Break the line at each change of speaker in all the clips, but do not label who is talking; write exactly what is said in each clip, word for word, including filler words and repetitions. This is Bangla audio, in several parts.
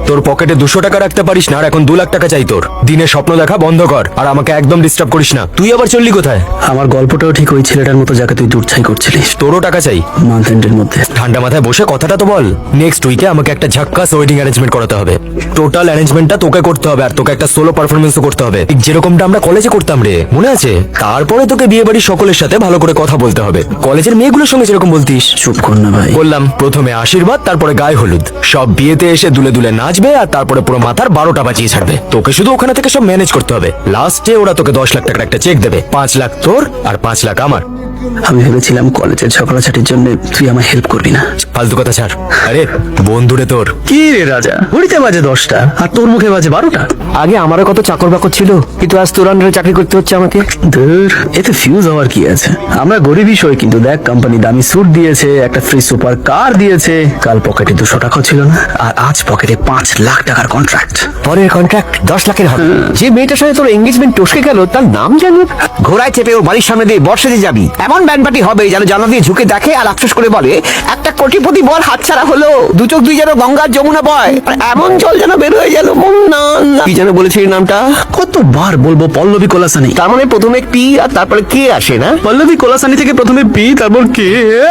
তোর পকেটে দুশো টাকা রাখতে পারিস না আর এখন দু লাখ টাকা চাই তোর। দিনে স্বপ্ন দেখা বন্ধ কর আর আমাকে একদম ডিস্টার্ব করিস না। তুই আবার চললি কোথায়?
আমার গল্পটাও ঠিক ওই ছেলেটার মতো যাকে তুই দূরছাই করছিলিস।
তোরও টাকা চাই
মান্থ এন্ডের মধ্যে।
ঠান্ডা মাথায় বসে কথাটা তো বল। নেক্সট উইকে আমাকে একটা ঝাক্কাস ওয়েডিং অ্যারেঞ্জমেন্ট করাতে হবে। টোটাল অ্যারেঞ্জমেন্টটা তোকে করতে হবে আর তোকে একটা সোলো পারফরমেন্সও করতে হবে, ঠিক যেরকমটা আমরা কলেজে করতাম রে, মনে আছে? তারপরে তোকে বিয়ে বাড়ির সকলের সাথে ভালো করে কথা বলতে হবে, কলেজের মেয়েগুলোর সঙ্গে যেরকম বলতিস।
চুপ কর না ভাই।
বললাম প্রথমে আশীর্বাদ, তারপরে গায়ে হলুদ, সব বিয়েতে এসে দুলে দুলে নাচবে আর তারপরে পুরো মাথার বারোটা বাজিয়ে ছাড়বে। তোকে শুধু ওখানে থেকে সব ম্যানেজ করতে হবে। লাস্টে ওরা তোকে দশ লাখ টাকার একটা চেক দেবে, পাঁচ লাখ তোর আর পাঁচ লাখ আমার।
আমি ভেবেছিলাম কলেজের ঝগড়াঝাটির জন্য তুই আমায় হেল্প করবি না।
ফালতু কথা ছাড়। আরে বন্ধুরে তোর।
কি রে রাজা, ঘড়িতে বাজে দশটা আর তোর মুখে বাজে বারোটা।
আগে আমারও কত চাকর বাকর ছিল, কিন্তু আজ তোর আন্ডারে চাকরি করতে হচ্ছে আমাকে।
ধুর, এতে ফিউজ হওয়ার কি আছে? আমরা গরিবই সই, কিন্তু দেখ কোম্পানি দামি স্যুট দিয়েছে, একটা ফ্রি সুপার কার দিয়েছে, কাল পকেটে দুশো টাকা ছিল না আর আজ পকেটে পাঁচ লাখ টাকার কন্ট্রাক্ট।
পরের কন্ট্রাক্ট দশ লাখের হবে। যে মেয়েটার সাথে তোর এঙ্গেজমেন্ট টসকে গেল তার নাম জানি। ঘোড়ায় চেপে ওর বাড়ির সামনে দিয়ে বর্ষাতে যাবি, এমন ব্যান্ড পার্টি হবে যেন জানলা দিয়ে ঝুঁকে দেখে আর আফসোস করে বলে একটা কোটিপতি বল হাতছাড়া হলো। দু চোখ দুই যেন গঙ্গার যমুনা বয়, আর এমন জল যেন বের হয়ে গেল। না না, কি যেন বলেছিস নামটা?
কতবার বলবো? পল্লবী কোলাসানি।
তার মানে প্রথমে পি আর তারপরে কে আসে না?
পল্লবী কোলাসানি থেকে প্রথমে পি তারপর কে?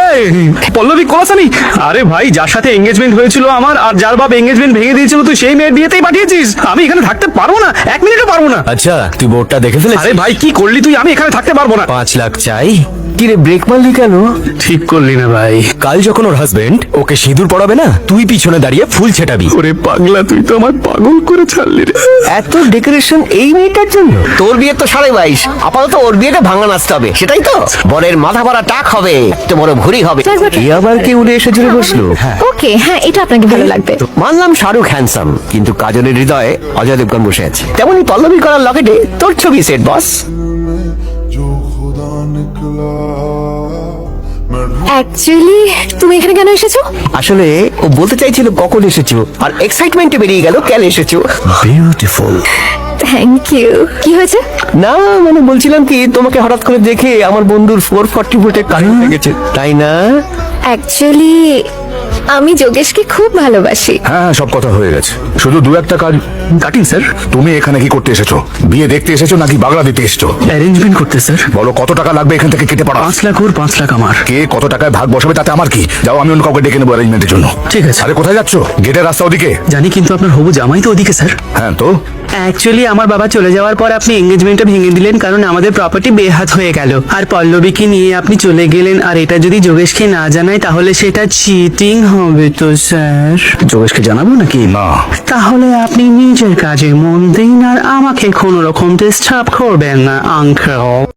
পল্লবী কোলাসানি? আরে ভাই, যার সাথে এঙ্গেজমেন্ট হয়েছিল আমার আর যার বাপ এঙ্গেজমেন্ট ভেঙে দিয়েছিল, তুই সেই মেয়ের বিয়েতেই পাঠিয়েছিস। আমি এখানে থাকতে পারবো না, এক মিনিটও পারবো না।
আচ্ছা তুই বোর্ডটা দেখে ফেলেছিস?
আরে ভাই কি করলি তুই? আমি এখানে থাকতে পারবো না।
পাঁচ লাখ চাই।
কি রে, ব্রেক মারলি কেন?
ঠিক করলি না ভাই।
কাল যখন ওর হাজবেন্ড ওকে সিঁদুর পড়াবে না, তুই পিছনে দাঁড়িয়ে ফুল ছেটাবি।
ওরে পাগলা, তুই তো আমার পাগল করে ছাড়লি রে।
এত ডেকোরেশন এই মেয়েটার জন্য? তোর বিয়ে তো সাড়ে বাইশ, আপাতত ওর বিয়েটা ভাঙা নাচতে হবে, সেটাই তো? বরের মাথা ভরা টাক হবে, একটা বড় ভুড়ি হবে। এ আবার কে উড়ে এসে জুড়ে বসলো?
ওকে, হ্যাঁ এটা আপনাকে ভালো লাগবে।
মানলাম শাহরুখ হ্যান্ডসাম, কিন্তু কাজলের হৃদয়ে অজয় দেবগন বসে আছে। তেমনি পল্লবী করার লকেটে তোর ছবি সেট বস।
जो खुदा निकला मैं
অ্যাকচুয়ালি তুমি এখানে কেন এসেছো?
আসলে ও বলতে চাইছিল কখন এসেছো, আর এক্সাইটমেন্টে বেরিয়ে গেল কেন এসেছো।
বিউটিফুল।
Thank you. কি হয়েছে?
না মানে বলছিলাম কি, তোমাকে হঠাৎ করে দেখে আমার বন্ধুর ফোর ফর্টি ফুটে কারেন্ট লেগেছে, তাই না?
অ্যাকচুয়ালি আমি যোগেশকে খুব ভালোবাসি।
হ্যাঁ সব কথা হয়ে গেছে, শুধু দু একটা কাজ।
Cutting sir.
তুমি এখানে কি করতে এসেছো? বিয়ে দেখতে এসেছো নাকি বাগলা দিতে এসেছো?
অ্যারেঞ্জমেন্ট করতে স্যার।
বলো কত টাকা লাগবে এখান থেকে কেটে পড়া?
পাঁচ লাখ ওর, পাঁচ লাখ আমার।
কে কত টাকায় ভাগ বসাবে তাতে আমার কি? যাও, আমি অন্য কাউকে ডেকে নেবো অ্যারেঞ্জমেন্টের জন্য।
ঠিক আছে।
আরে কোথায় যাচ্ছো? গেটের রাস্তা ওদিকে।
জানি, কিন্তু আপনার হবু জামাই তো ওদিকে স্যার।
হ্যাঁ তো
অ্যাকচুয়ালি আমার বাবা চলে যাওয়ার পর আপনি এঙ্গেজমেন্টটা ভেঙে দিলেন, কারণ আমাদের প্রপার্টি বেহাত হয়ে গেল। আর পল্লবীকে নিয়ে আপনি চলে গেলেন, আর এটা যদি যোগেশকে না জানায় তাহলে সেটা চিটিং হবে তো স্যার।
যোগেশকে জানাবো নাকি?
না,
তাহলে আপনি নিজের কাজে মন দিন আর আমাকে কোনো রকম ডিস্টার্ব করবেন না আঙ্কেল।